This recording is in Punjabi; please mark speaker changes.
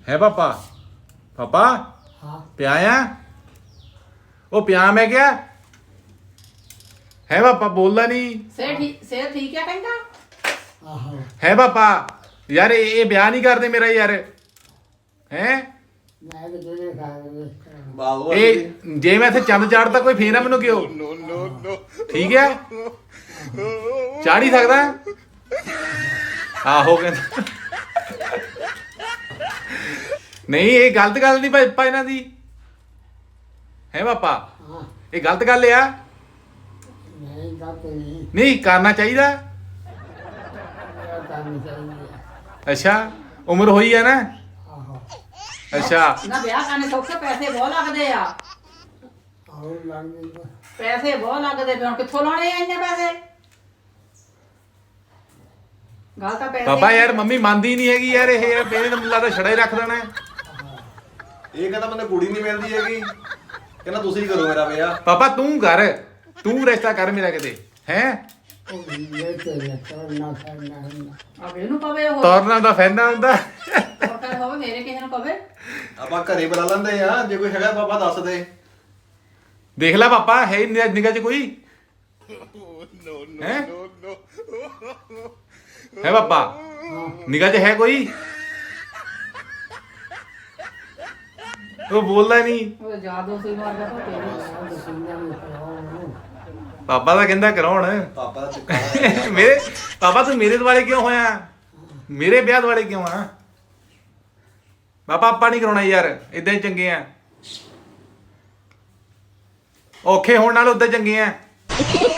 Speaker 1: है पापा? पापा
Speaker 2: हाँ
Speaker 1: पिया आ? ओ पिया मैं क्या है पापा? बोलदा नहीं
Speaker 3: सेहत ठीक है कहंदा
Speaker 2: आहो
Speaker 1: है पापा? यार ये ब्याह नहीं करते मेरा यार हैं
Speaker 2: मैं तो तेरे खा
Speaker 4: ਬਾਹੂ
Speaker 1: ਇਹ ਜੇ ਮੈਂ ਇੱਥੇ ਚੰਦ ਚਾੜਦਾ ਕੋਈ ਫੇਰ ਨਾ ਮੈਨੂੰ ਕਿਉਂ ਠੀਕ ਹੈ ਚਾੜ ਹੀ ਸਕਦਾ ਆਹੋ ਕਹਿੰਦਾ ਨਹੀਂ ਇਹ ਗਲਤ ਗੱਲ ਨਹੀਂ ਪਾਪਾ ਇਹਨਾਂ ਦੀ ਹੈ ਪਾਪਾ
Speaker 2: हाँ
Speaker 1: ਇਹ ਗਲਤ ਗੱਲ ਆ
Speaker 2: नहीं बात नहीं
Speaker 1: ਨਹੀਂ ਕਰਨਾ ਚਾਹੀਦਾ
Speaker 2: मेरा काम चाहिए
Speaker 1: ਅੱਛਾ ਉਮਰ ਹੋਈ ਹੈ ਨਾ
Speaker 2: आहो
Speaker 1: ਅੱਛਾ
Speaker 3: ਨਾ ਵਿਆਹ ਕਰਨੇ ਸੌਖੇ ਪੈਸੇ ਬਹੁਤ ਲੱਗਦੇ ਆ
Speaker 2: और लगने को
Speaker 3: ਪੈਸੇ ਬਹੁਤ ਲੱਗਦੇ ਫਿਰ ਹੁਣ ਕਿੱਥੋਂ ਲਾਉਣੇ ਆ ਇੰਨੇ ਪੈਸੇ ਗੱਲ ਤਾਂ ਪੈਸੇ
Speaker 1: ਪਾਪਾ ਯਾਰ ਮੰਮੀ ਮੰਨਦੀ ਨਹੀਂ ਹੈਗੀ ਯਾਰ ਇਹ ਯਾਰ ਮੇਰੇ ਨੂੰ ਲੱਗਦਾ ਛੜਾ ਹੀ ਰੱਖ ਦੇਣਾ ਹੈ।
Speaker 4: ਇਹ ਕਹਿੰਦਾ ਮੈਨੂੰ ਕੁੜੀ ਨਹੀਂ ਮਿਲਦੀ ਹੈਗੀ ਕਹਿੰਦਾ ਤੁਸੀਂ ਕਰੋ ਮੇਰਾ ਵਿਆਹ
Speaker 1: ਪਾਪਾ ਤੂੰ ਕਰ ਤੂੰ ਰਿਸ਼ਤਾ ਕਰ ਮੇਰਾ ਕਿਤੇ ਹੈ
Speaker 2: लेते ना करना
Speaker 3: ਆ ਇਹਨੂੰ ਪਵੇ ਉਹ
Speaker 1: ਤੋਰਨਾ ਦਾ ਫੈਨਾ ਹੁੰਦਾ
Speaker 3: ਸਰਕਾਰ ਹੋਵੇ ਮੇਰੇ ਕਿਸੇ ਨੂੰ ਪਵੇ
Speaker 4: ਆਪਾਂ ਘਰੇ ਬੁਲਾ ਲੈਂਦੇ ਆ ਜੇ ਕੋਈ ਹੈਗਾ ਪਾਪਾ ਦੱਸ ਦੇ
Speaker 1: ਦੇਖ ਲੈ ਪਾਪਾ ਹੈ ਨਿਗਾਹ ਚ ਕੋਈ ਹੈ ਹੈ ਪਾਪਾ ਨਿਗਾਹ ਚ ਹੈ ਕੋਈ ਉਹ ਬੋਲਦਾ ਨਹੀਂ
Speaker 3: ਉਹ ਜਾਦੂ ਸੀ ਮਾਰਦਾ ਤੇਰੇ
Speaker 2: सुनने में कराओ
Speaker 1: ਪਾਪਾ ਤਾਂ ਕਹਿੰਦਾ ਕਰਾਉਣ
Speaker 4: ਪਾਪਾ ਦਾ ਚੁੱਕਾ
Speaker 1: ਮੇਰੇ ਪਾਪਾ ਤੂੰ ਮੇਰੇ ਦੁਆਲੇ ਕਿਉਂ ਹੋਇਆ ਮੇਰੇ ਵਿਆਹ ਦੁਆਲੇ ਕਿਉਂ ਆ ਪਾਪਾ ਆਪਾਂ ਨਹੀਂ ਕਰਾਉਣਾ ਯਾਰ ਇਦਾਂ ਹੀ ਚੰਗੇ ਆ ਔਖੇ ਹੋਣ ਨਾਲ ਉਦਾਂ ਚੰਗੇ ਆ